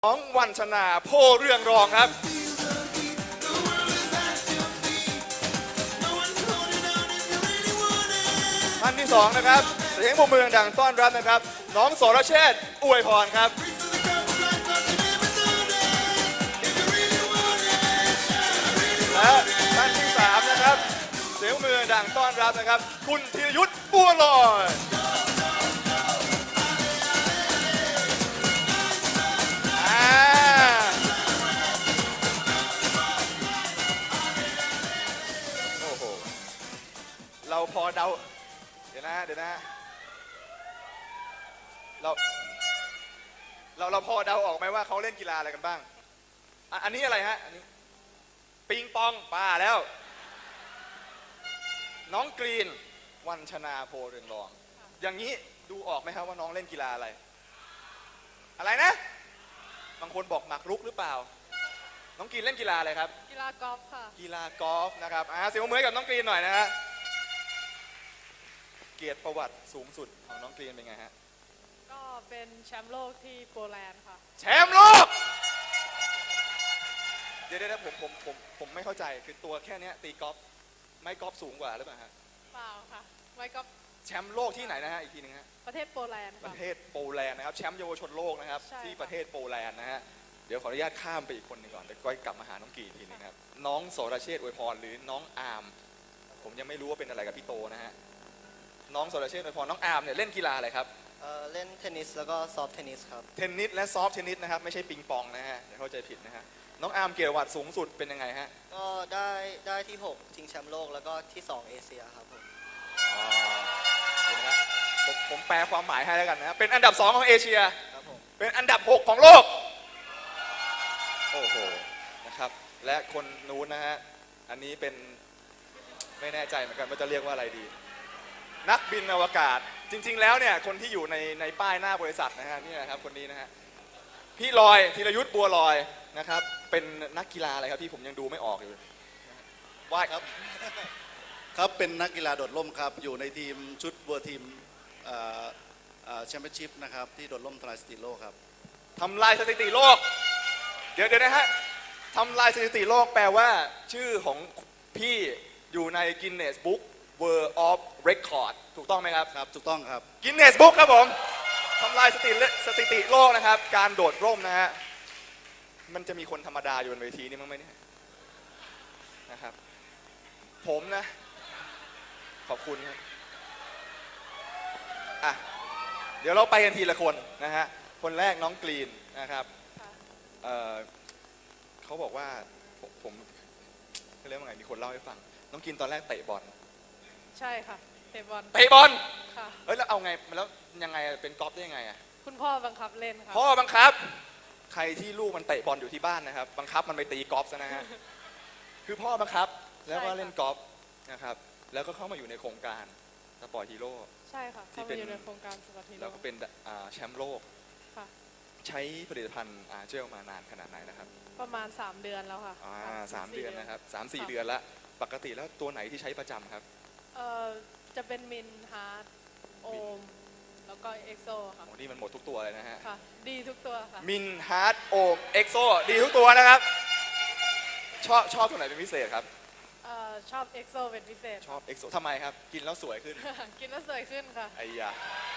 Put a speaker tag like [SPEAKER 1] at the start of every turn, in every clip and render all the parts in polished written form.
[SPEAKER 1] น้องวันชนาโพเรืองรองครับท่านที่สองนะครับเสียงปรบมือดังต้อนรับนะครับน้องสรเชษฐ์อวยพรครับและท่านที่สามนะครับเสียงมือดังต้อนรับนะครับคุณธีรยุทธบัวลอยโอ้โหเราพอเดาเดี๋ยวนะเราพอเดาออกไหมว่าเขาเล่นกีฬาอะไรกันบ้างอันนี้อะไรฮะอันนี้ปิงปองป่าแล้วน้องกรีนวันชนาโพเรืองรองอย่างนี้ดูออกไหมครับว่าน้องเล่นกีฬาอะไรนะบางคนบอกหมากรุกหรือเปล่าน้องกรีนเล่นกีฬาอะไรครับ
[SPEAKER 2] กีฬากอล์ฟค่ะ
[SPEAKER 1] กีฬากอล์ฟนะครับเสียงปรบมือให้กับน้องกรีนหน่อยนะฮะเกียรติประวัติสูงสุดของน้องกรีนเป็นไงฮะ
[SPEAKER 2] ก็เป็นแชมป์โลกที่โปแลนด์ค่ะ
[SPEAKER 1] แชมป์โลกเดี๋ยวผมไม่เข้าใจคือตัวแค่นี้ตีกอล์ฟไม่กอล์ฟสูงกว่าหรือเปล่าฮะ
[SPEAKER 2] เปล่าค่ะไม่ก็
[SPEAKER 1] แชมป์โลกที่ไหนนะฮะอีกทีนึงฮะ
[SPEAKER 2] ประเทศโปแลนด์
[SPEAKER 1] ประเทศโปแลนด์นะครับแชมป์เยาวชนโลกนะครับที่ประเทศโปแลนด์นะฮะเดี๋ยวขออนุญาตข้ามไปอีกคนหนึ่งก่อนเดี๋ยวก้อยกลับมาหาน้องกีทีนึงครับน้องสรเชษฐ์อวยพรหรือน้องอาร์มผมยังไม่รู้ว่าเป็นอะไรกับพี่โตนะฮะน้องสรเชษฐ์อวยพรน้องอาร์มเนี่ยเล่นกีฬาอะไรครับ
[SPEAKER 3] เล่นเทนนิสแล้วก็ซอฟต์เทนนิสครับ
[SPEAKER 1] เทนนิสและซอฟต์เทนนิสนะครับไม่ใช่ปิงปองนะฮะเดี๋ยวเข้าใจผิดนะฮะน้องอาร์มเกียรติประวัติสูงสุดเป็นยังไงฮะ
[SPEAKER 3] ก็ได้ที่6ชิงแชมป์โลกแล้วก็ที่2เอเชียครับผม
[SPEAKER 1] เห็นไหมผมแปลความหมายให้แล้วกันนะเป็นอันดับ2ของเอเชีย
[SPEAKER 3] ครับผม
[SPEAKER 1] เป็นอันดับ6ของโลกโอ้โหนะครับและคนนู้นนะฮะอันนี้เป็นไม่แน่ใจเหมือนกันว่าจะเรียกว่าอะไรดีนักบินอวกาศจริงๆแล้วเนี่ยคนที่อยู่ในป้ายหน้าบริษัทนะฮะนี่นะครับคนนี้นะฮะพี่ลอยธีรยุทธบัวลอยนะครับเป็นนักกีฬาอะไรครับพี่ผมยังดูไม่ออกอยู่ว่าย
[SPEAKER 4] ครับครับเป็นนักกีฬาโดดร่มครับอยู่ในทีมชุดเวอร์ทีมแชมเปี้ยนชิพนะครับที่โดดร่มทำลายสถิติโลกครับ
[SPEAKER 1] ทำลายสถิติโลกเดี๋ยวนะฮะทำลายสถิติโลกแปลว่าชื่อของพี่อยู่ใน Guinness Book World of Record ถูกต้องไหมครับ
[SPEAKER 4] ครับถูกต้องครับ
[SPEAKER 1] Guinness Book ครับผมทำลายสถิติโลกนะครับการโดดร่มนะฮะมันจะมีคนธรรมดาอยู่บนเวทีนี่มั้งไหมเนี่ยนะครับผมนะขอบคุณครับอ่ะเดี๋ยวเราไปกันทีละคนนะฮะคนแรกน้องกรีนนะครับเขาบอกว่าผมเรียกว่าไงมีคนเล่าให้ฟังน้องกรีนตอนแรกเตะบอล
[SPEAKER 2] ใช่ค่ะเตะบอล
[SPEAKER 1] ค่ะแล้วเอาไงแล้วยังไงเป็นกอล์ฟได้ยังไงอ่ะ
[SPEAKER 2] คุณพ่อบังคับเล่นค่ะ
[SPEAKER 1] พ่อบังคับใครที่ลูกมันเตะบอลอยู่ที่บ้านนะครับบังคับมันไปตีกอล์ฟซะนะฮะคือพ่อบังคับแล้วก็เล่นกอล์ฟนะครับแล้วก็เข้ามาอยู่ในโครงการสปอร์ตฮีโร่
[SPEAKER 2] ใช่ค่ะเข้ามาอยู่ในโครงการสปอร์ตฮีโร่
[SPEAKER 1] แล้วก็เป็นแชมป์โลก
[SPEAKER 2] ค่ะ
[SPEAKER 1] ใช้ผลิตภัณฑ์เจลมานานขนาดไหนนะครับ
[SPEAKER 2] ประมาณ3เดือนแล้วค่ะ
[SPEAKER 1] 3 เดือนนะครับ3-4 เดือนละปกติแล้วตัวไหนที่ใช้ประจำครับ
[SPEAKER 2] จะเป็นมินฮาร์ดโอมแล้วก็เอ็กโซค่ะ
[SPEAKER 1] โอ้นี่มันหมดทุกตัวเลยนะฮะ
[SPEAKER 2] ค่ะดีทุกตัวค่ะ
[SPEAKER 1] มินฮาร์ดโอมเอ็กโซดีทุกตัวนะครับชอบตัวไหนเป็นพิเศษครับ
[SPEAKER 2] ชอบเอ็กโซเป็นพิเศษ
[SPEAKER 1] ชอบเอ็กโซทำไมครับกินแล้วสวยขึ้น
[SPEAKER 2] กินแล้วสวยขึ้นค่ะ
[SPEAKER 1] ไอ้ยา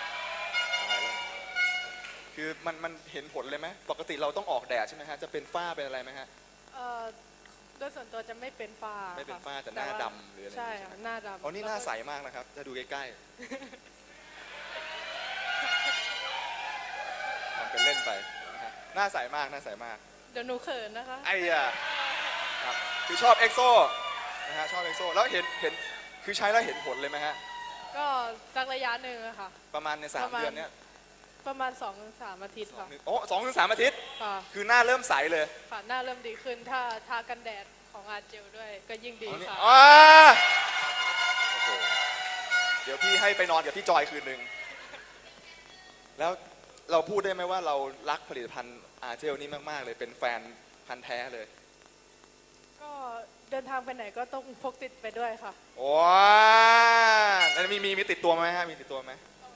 [SPEAKER 1] คือมันเห็นผลเลยไหมปกติเราต้องออกแดดใช่ไหมฮะจะเป็นฝ้าเป็นอะไรไหมฮะ
[SPEAKER 2] โดยส่วนตัวจะไม่เป็นฝ้า
[SPEAKER 1] ไม่เป็นฝ้าแต่หน้าดำหรืออะไร
[SPEAKER 2] ใช่ค่ะหน้าดำ
[SPEAKER 1] อ๋อนี่หน้าใสมากนะครับจะดูใกล้ๆทำเป็นเล่นไปหน้าใสมาก
[SPEAKER 2] เดี๋ยวหนูเขินนะคะ
[SPEAKER 1] ไอ้ยาครับคือชอบเอ็กโซนะฮะชอบเอ็กโซแล้วเห็นคือใช้แล้วเห็นผลเลยไหมฮะ
[SPEAKER 2] ก็สักระยะหนึ่งอะค่ะ
[SPEAKER 1] ประมาณใน3 เดือนเนี้ย
[SPEAKER 2] ประมาณ 2-3 อาทิตย์ค่ะ
[SPEAKER 1] โอ้2-3 อาทิตย์
[SPEAKER 2] ค่ะ
[SPEAKER 1] คือหน้าเริ่มใสเลย
[SPEAKER 2] ค่ะหน้าเริ่มดีขึ้นถ้าทากันแดดของอาเจลด้วยก็ยิ่งดีค่ะ
[SPEAKER 1] โอ้โหเดี๋ยวพี่ให้ไปนอนกับพี่จอยคืนนึงแล้วเราพูดได้ไหมว่าเรารักผลิตภัณฑ์อาเจลนี่มากๆเลยเป็นแฟนพันธุ์แท้เลย
[SPEAKER 2] ก็เดินทางไปไหนก็ต้องพกติดไปด้วยค่ะ
[SPEAKER 1] ว้าวแล้วมีติดตัวไหมฮะมีติดตัวไหม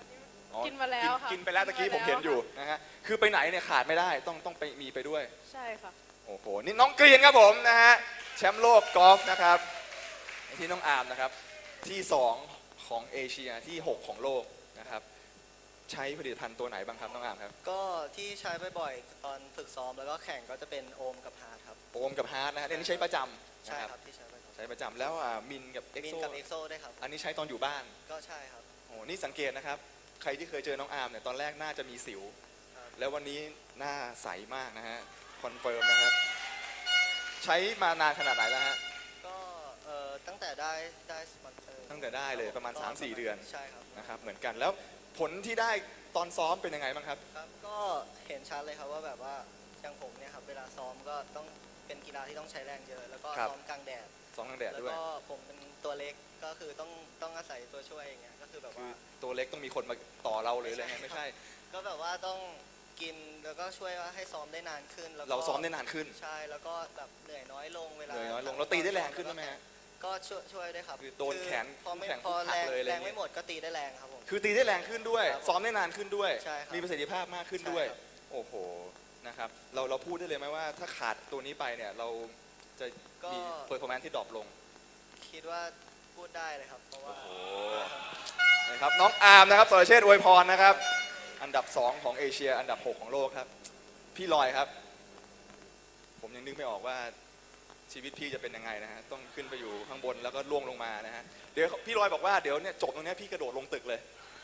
[SPEAKER 1] อ๋อ
[SPEAKER 2] กินมาแล้วค่ะ
[SPEAKER 1] กินไปแล้วตะกี้ผมเห็นอยู่นะฮะคือไปไหนเนี่ยขาดไม่ได้ต้องไปมีไปด้วย
[SPEAKER 2] ใช่ค่ะ
[SPEAKER 1] โอ้โหนี่น้องกรีนครับผมนะฮะแชมป์โลกกอล์ฟนะครับที่น้องอาร์มนะครับที่ 2 ของเอเชียที่ 6 ของโลกนะครับใช้ผลิตภัณฑ์ตัวไหนบ้างครับน้องอาร์มครับ
[SPEAKER 3] ก็ที่ใช้บ่อยๆตอนฝึกซ้อมแล้วก็แข่งก็จะเป็นโอมกับฮาร์ดครับ
[SPEAKER 1] โอมกับฮาร์ดนะฮะอันนี้ใช้ประจำ
[SPEAKER 3] ใช่
[SPEAKER 1] นะ
[SPEAKER 3] ครับที่ใช้บ่อย
[SPEAKER 1] ใช้ประจำแล้วมินกับเอ็ก
[SPEAKER 3] มิน
[SPEAKER 1] โซ
[SPEAKER 3] กับเอ็กโซด้วยครับ
[SPEAKER 1] อันนี้ใช้ตอนอยู่บ้าน
[SPEAKER 3] ก็ใช่ครับ
[SPEAKER 1] โอ้นี่สังเกตนะครับใครที่เคยเจอน้องอาร์มเนี่ยตอนแรกน่าจะมีสิว
[SPEAKER 3] ครับ
[SPEAKER 1] แล้ววันนี้หน้าใสมากนะฮะคอนเฟิร์มนะครับใช้มานานขนาดไหนแล้วฮะ
[SPEAKER 3] ก็ตั้งแต่ได้สปอนเซอร์
[SPEAKER 1] ตั้งแต่ได้เลยประมาณ 3-4 เดือน
[SPEAKER 3] ใช่ครับ
[SPEAKER 1] นะครับเหมือนกันแล้วผลที่ได้ตอนซ้อมเป็นยังไงบ้างครับ
[SPEAKER 3] ครับก็เห็นชัดเลยครับว่าแบบว่าอย่างผมเนี่ยครับเวลาซ้อมก็ต้องเป็นกีฬาที่ต้องใช้แรงเยอะ แล้วก็
[SPEAKER 1] ครับ
[SPEAKER 3] ซ้อมกลางแดด
[SPEAKER 1] ซ้อมกลางแดด
[SPEAKER 3] แล้ว
[SPEAKER 1] ด้วย
[SPEAKER 3] ก็ผมเป็นตัวเล็กก็คือต้องอาศัยตัวช่วยอย่างเงี้ยก็คือแบบ
[SPEAKER 1] คือ
[SPEAKER 3] ว่า
[SPEAKER 1] ตัวเล็กต้องมีคนมาต่อเราหรืออะไรเงี้ยไม่ใช่
[SPEAKER 3] ก็แบบว่าต้องกินแล้วก็ช่วยว่าให้ซ้อมได้นานขึ้นแล้วก็
[SPEAKER 1] เราซ้อมได้นานขึ้น
[SPEAKER 3] ใช่แล้วก็แบบเหนื่อยน้อยลงเวลา
[SPEAKER 1] เหนื่อยน้อยลงเราตีได้แรงขึ้นใช่ไหมฮะ
[SPEAKER 3] ก็ช่วยด้วยครับ
[SPEAKER 1] คือโดนแขน
[SPEAKER 3] พอไม่
[SPEAKER 1] แขน
[SPEAKER 3] พอ
[SPEAKER 1] หัก
[SPEAKER 3] แรง
[SPEAKER 1] เลยอะไร
[SPEAKER 3] แรง
[SPEAKER 1] เงี้ย
[SPEAKER 3] ไม่หมดก็ตีได้แรงครับผม
[SPEAKER 1] คือตีได้แรงขึ้นด้วย
[SPEAKER 3] ครับ
[SPEAKER 1] ซ้อมได้นานขึ้นด้วย
[SPEAKER 3] ใช่ครับ
[SPEAKER 1] มีประสิทธิภาพมากขึ้นด้วย
[SPEAKER 3] ใช่ครับ
[SPEAKER 1] โอ้โหนะครับเราพูดได้เลยไหมว่าถ้าขาดตัวนี้ไปเนี่ยเราจะมีเปอร์ฟอร์แมนซ์ที่ดรอปลง
[SPEAKER 3] คิดว่าพูดได้เลยครับเพราะว่า
[SPEAKER 1] โอ้โห นะครับน้องอาร์มนะครับสรเชษฐ์อวยพรนะครับอันดับ 2 ของเอเชียอันดับ 6 ของโลกครับพี่ลอยครับ ผมยังนึกไม่ออกว่าชีวิตพี่จะเป็นยังไงนะฮะต้องขึ้นไปอยู่ข้างบนแล้วก็ล่วงลงมานะฮะเดี๋ยวพี่ลอยบอกว่าเดี๋ยวเนี่ยจบตรงเนี้ยพี่กระโดดลงตึกเลย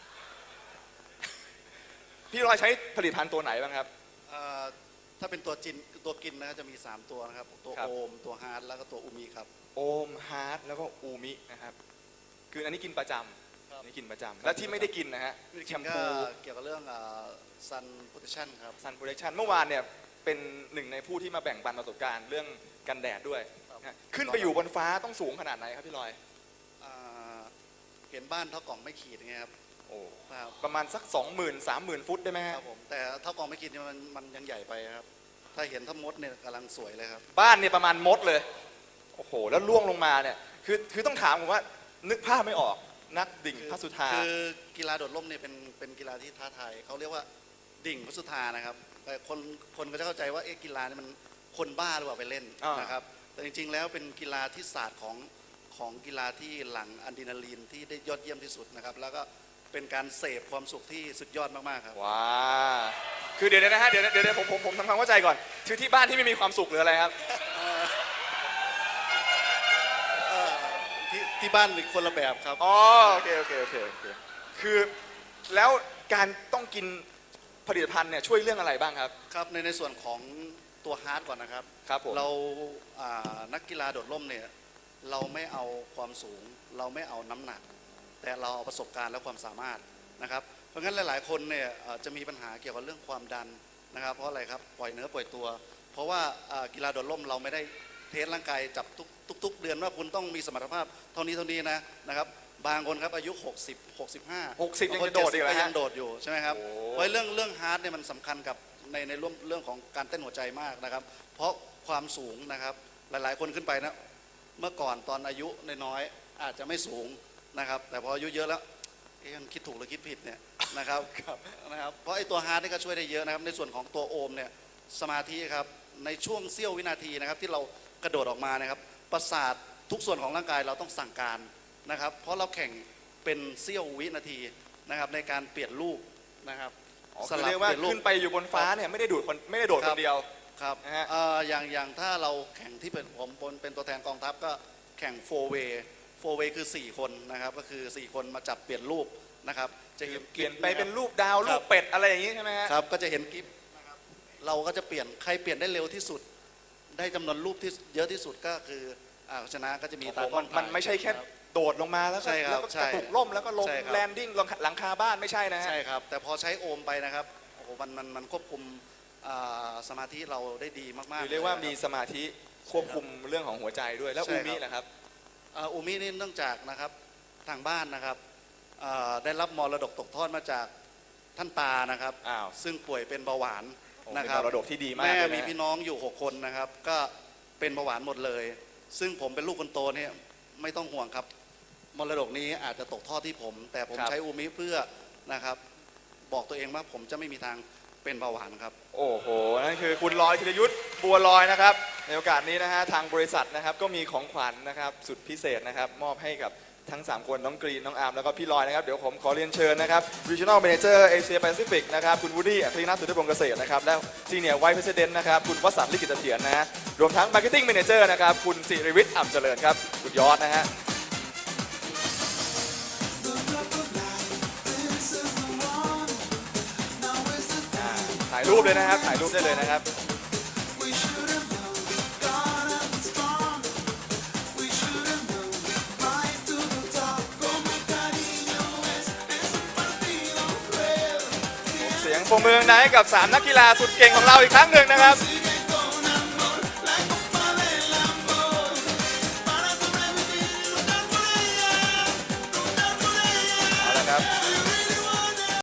[SPEAKER 1] พี่ลอยใช้ผลิตภัณฑ์ตัวไหนบ้างครับ
[SPEAKER 4] ถ้าเป็นตัวกินนะจะมี 3 ตัวนะครับ ตัว
[SPEAKER 1] ครับ
[SPEAKER 4] โอม ตัวฮาร์ดแล้วก็ตัวอูมิครับ
[SPEAKER 1] โอมฮาร์ดแล้วก็อูมินะครับคืออันนี้กินประจ
[SPEAKER 3] ครับ
[SPEAKER 1] ำนี่กินประจำแล้วที่ไม่ได้กินนะฮะแชม
[SPEAKER 4] ก็
[SPEAKER 1] พู
[SPEAKER 4] เกี่ยวกับเรื่องซันโปรเทชั่นครับ
[SPEAKER 1] ซันโปรดักชันเมื่อวานเนี่ยเป็นหนึ่งในผู้ที่มาแบ่งปันประสบการณ์เรื่องกันแดดด้วย
[SPEAKER 3] ครับ
[SPEAKER 1] นะขึ้นไปอยู่บนฟ้าต้องสูงขนาดไหนครับพี่ลอย
[SPEAKER 4] อ่าเห็นบ้านเท่ากล่องไม่ขีดไงครับ
[SPEAKER 1] โอ้
[SPEAKER 4] ครับ
[SPEAKER 1] ประมาณสัก 20,000-30,000 ฟุตได้ไหม
[SPEAKER 4] ค
[SPEAKER 1] ฮะ
[SPEAKER 4] รับผมแต่เท่ากล่องไม่ขีดเนี่ยมันยังใหญ่ไปครับ ถ้าเห็นถ้ามดเนี่ยกำลังสวยเลยครับ
[SPEAKER 1] บ้านเนี่ยประมาณมดเลยโอ้โหแล้วล่วงลงมาเนี่ยคือต้องถามผมว่านึกภาพไม่ออกนักดิ่งพระสุธา
[SPEAKER 4] คือกีฬาโดดร่มเนี่ยเป็นกีฬาที่ท้าทายเขาเรียกว่าดิ่งพระสุธานะครับแต่คนก็จะเข้าใจว่ากีฬาเนี่ยมันคนบ้าหรือเปล่าไปเล่นนะครับแต่จริงๆแล้วเป็นกีฬาที่ศาสตร์ของกีฬาที่หลั่งอะดรีนาลีนที่ได้ยอดเยี่ยมที่สุดนะครับแล้วก็เป็นการเสพความสุขที่สุดยอดมากๆครับ
[SPEAKER 1] ว้าคือเดี๋ยวนะฮะเดี๋ยวผมทำความเข้าใจก่อนคือที่บ้านที่ไม่มีความสุขหรืออะไรครับ
[SPEAKER 4] ที่บ้านอีกคนละแบบครับ
[SPEAKER 1] อ๋อโอเคคือแล้วการต้องกินผลิตภัณฑ์เนี่ยช่วยเรื่องอะไรบ้างครับ
[SPEAKER 4] ครับในส่วนของตัวฮาร์ดก่อนนะครับ
[SPEAKER 1] ครับผม
[SPEAKER 4] เรานักกีฬาโดดร่มเนี่ยเราไม่เอาความสูง เราไม่เอาน้ำหนัก แต่เราเอาประสบการณ์และความสามารถนะครับเพราะงั้นหลายๆคนเนี่ยจะมีปัญหาเกี่ยวกับเรื่องความดันนะครับเพราะอะไรครับปล่อยเนื้อปล่อยตัว เพราะว่ากีฬาโดดร่มเราไม่ได้เทสร่างกายจับทุกเดือนว่าคุณต้องมีสมรรถภาพเท่านี้นะครับบางคนครับอายุ 60 65
[SPEAKER 1] 60ยังจะโดดอีกเหรอฮะ
[SPEAKER 4] ยังโดดอยู่ใช่ไหมครับ
[SPEAKER 1] โอ้
[SPEAKER 4] เพราะเรื่องฮาร์ดเนี่ยมันสำคัญกับในเรื่องของการเต้นหัวใจมากนะครับ เพราะความสูงนะครับหลายๆคนขึ้นไปนะเมื่อก่อนตอนอายุน้อยๆอาจจะไม่สูงนะครับ แต่พออายุเยอะแล้วยังคิดถูกหรือคิดผิดเนี่ยนะครับ นะครับเพราะไอ้ตัวฮาร์ดนี่ก็ช่วยได้เยอะนะครับในส่วนของตัวโอมเนี่ยสมาธิครับในช่วงเสี้ยววินาทีนะครับที่เรากระโดดออกมานะครับประสาททุกส่วนของร่างกายเราต้องสั่งการนะครับ เพราะเราแข่งเป็นเสี้ยววินาทีนะครับในการเปลี่ยนลูกนะครับ
[SPEAKER 1] อ๋อคือเรียกว่าขึ้นไปอยู่บนฟ้าเนี่ยไม่ได้โดดคนเดียว
[SPEAKER 4] ครับ
[SPEAKER 1] นะฮะ
[SPEAKER 4] อย่างถ้าเราแข่งที่ผมเป็นตัวแทนกองทัพก็แข่ง4 way คือ 4 คนนะครับก็คือ 4 คนมาจับเปลี่ยนรูปนะครับจะห็
[SPEAKER 1] เปลี่ยนไปเป็นรูปดาว
[SPEAKER 4] ค
[SPEAKER 1] รู
[SPEAKER 4] รับ
[SPEAKER 1] ปเป็ดอะไรอย่างนี้ใช่ไหมฮะ
[SPEAKER 4] ครับก็จะเห็นกิฟนะครับเราก็จะเปลี่ยนใครเปลี่ยนได้เร็วที่สุด ได้จำนวนรูปที่เยอะที่สุดก็คือชนะก็จะมีตากล้อง
[SPEAKER 1] มันไม่ใช่แค่โดดลงมาแล้วก็
[SPEAKER 4] ใช่ครับ
[SPEAKER 1] แล้วก็
[SPEAKER 4] ใช่
[SPEAKER 1] กระตุกล่มแล้วก็ลง
[SPEAKER 4] ใช่ครับ
[SPEAKER 1] แลนดิ้งหลังคาบ้านไม่ใช่นะฮะ
[SPEAKER 4] ใช่ครับแต่พอใช้โอมไปนะครับโอ้โหมันควบคุมสมาธิเราได้ดีมากๆ
[SPEAKER 1] คือเรียกว่า
[SPEAKER 4] ล
[SPEAKER 1] มี
[SPEAKER 4] คบ
[SPEAKER 1] สมาธิควบคุมเรื่องของหัวใจด้วยแล้ว
[SPEAKER 4] ใช่
[SPEAKER 1] อู
[SPEAKER 4] ครับ
[SPEAKER 1] มิล่ะครับ
[SPEAKER 4] อูมินี่เนื่องจากนะครับทางบ้านนะครับได้รับมรดกตกทอดมาจากท่านตานะครับ
[SPEAKER 1] อ้าว
[SPEAKER 4] ซึ่งป่วยเป็นเบาหวาน
[SPEAKER 1] โอ้
[SPEAKER 4] นะ
[SPEAKER 1] เป็น
[SPEAKER 4] ครับ
[SPEAKER 1] มรดกที่ดีมาก
[SPEAKER 4] แม่
[SPEAKER 1] เลย
[SPEAKER 4] มี
[SPEAKER 1] นะ
[SPEAKER 4] พี่น้องอยู่ 6 คนนะครับก็เป็นเบาหวานหมดเลย ซึ่งผมเป็นลูกคนโตเนี่ยไม่ต้องห่วงครับมรดกนี้อาจจะตกทอดที่ผม แต่ผมใช้อูมิเพื่อนะครับบอกตัวเองว่าผมจะไม่มีทางเป็นเบาหวานครับ
[SPEAKER 1] โอ้โห นั่นคือคุณลอยธีรยุทธ์บัวลอยนะครับ ในโอกาสนี้นะฮะทางบริษัทนะครับก็มีของขวัญนะครับสุดพิเศษนะครับมอบให้กับทั้ง 3 คนน้องกรีนน้องอาร์มแล้วก็พี่ลอยนะครับเดี๋ยวผมขอเรียนเชิญนะครับ Regional Manager Asia Pacific นะครับคุณวูดดี้อัครีนาถสุทธิพงษ์เกษตรนะครับและ Senior Vice President นะครับคุณวสันต์ลิขิตเสถียรนะฮะรวมทั้ง Marketing Manager นะครับคุณสิริวิทย์อ่ำเจริญครับสุดยอดนะฮะถ่ายรูปเลยนะครับถ่ายรูปได้เลยนะครับ เสียงปรบมือให้กับ 3 นักกีฬาสุดเก่งของเราอีกครั้งหนึ่งนะครับ